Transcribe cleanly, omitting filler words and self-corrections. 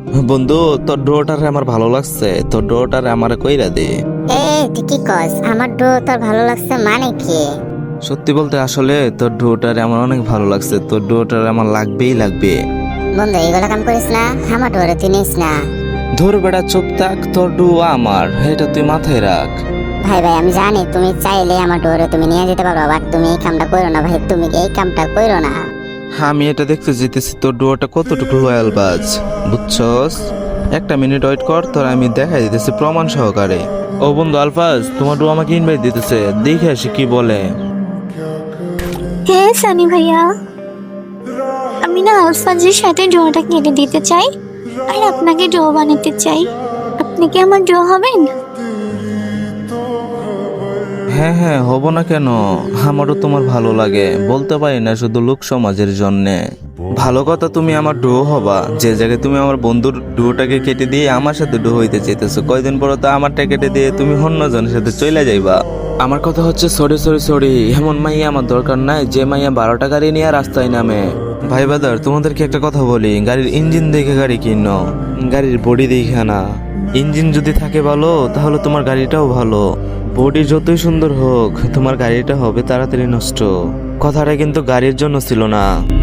বন্ধু, তোর ডোটারে আমার ভালো লাগছে, তোর ডোটারে আমার কইরা দে। এ তুই কি কস? আমার ডো তোর ভালো লাগছে মানে কি? সত্যি বলতে আসলে তোর ডোটারে আমার অনেক ভালো লাগছে, তোর ডোটারে আমার লাগবেই লাগবে। বন্ধু এগুলো কাম করিস না, আমার ডোরে তুই নিস না। ধর বেটা চুপ থাক, তোর ডো আমার, এটা তুই মাথায় রাখ। ভাই ভাই আমি জানি তুমি চাইলে আমার ডোরে তুমি নিয়ে যেতে পারো, বাট তুমি এই কামটা করো না ভাই, তুমি এই কামটা করো না। আমি এটা দেখতে যেতেছি তোর ডোটা কতটুকু রয়্যাল বাজ, বুঝছস? একটা মিনিট ওয়েট কর, তোর আমি দেখাই দিতেছি প্রমাণ সহকারে। ও বন্ধু আলফাজ, তোমার ডো আমাকে ইনভাইট দিতেছে, দেখে আসি কি বলে। হ্যাঁ সানি ভাইয়া, আমি না আলফাজের সাথে ড্রটা কেটে দিতে চাই আর আপনাকে ড্র বানাতে চাই। আপনি কি আমার ড্র হবেন? হ্যাঁ হ্যাঁ, হব না কেন? আমারও তোমার ভালো লাগে, বলতে পারি না শুধু লোক সমাজের জন্যে। ভালো কথা, তুমি আমার ডো হবা, যে জায়গায় তুমি আমার বন্ধুর ডোটাকে কেটে দিয়ে আমার সাথে ডো হইতে চাইতেছো, কয়দিন পর তো আমারটা কেটে দিয়ে তুমি অন্য জনের সাথে চলে যাইবা। আমার কথা হচ্ছে সরি সরি সরি, এমন মাইয়া আমার দরকার নাই যে মাইয়া 12টা গাড়ি নিয়ে রাস্তায় নামে। ভাই বাদার, তোমাদেরকে একটা কথা বলি, গাড়ির ইঞ্জিন দেখে গাড়ি কিনো, গাড়ির বডি দেখে না। ইঞ্জিন যদি থাকে ভালো, তাহলে তোমার গাড়িটাও ভালো। বডি যতই সুন্দর হোক, তোমার গাড়িটা হবে তাড়াতাড়ি নষ্ট। কথাটা কিন্তু গাড়ির জন্য ছিল না।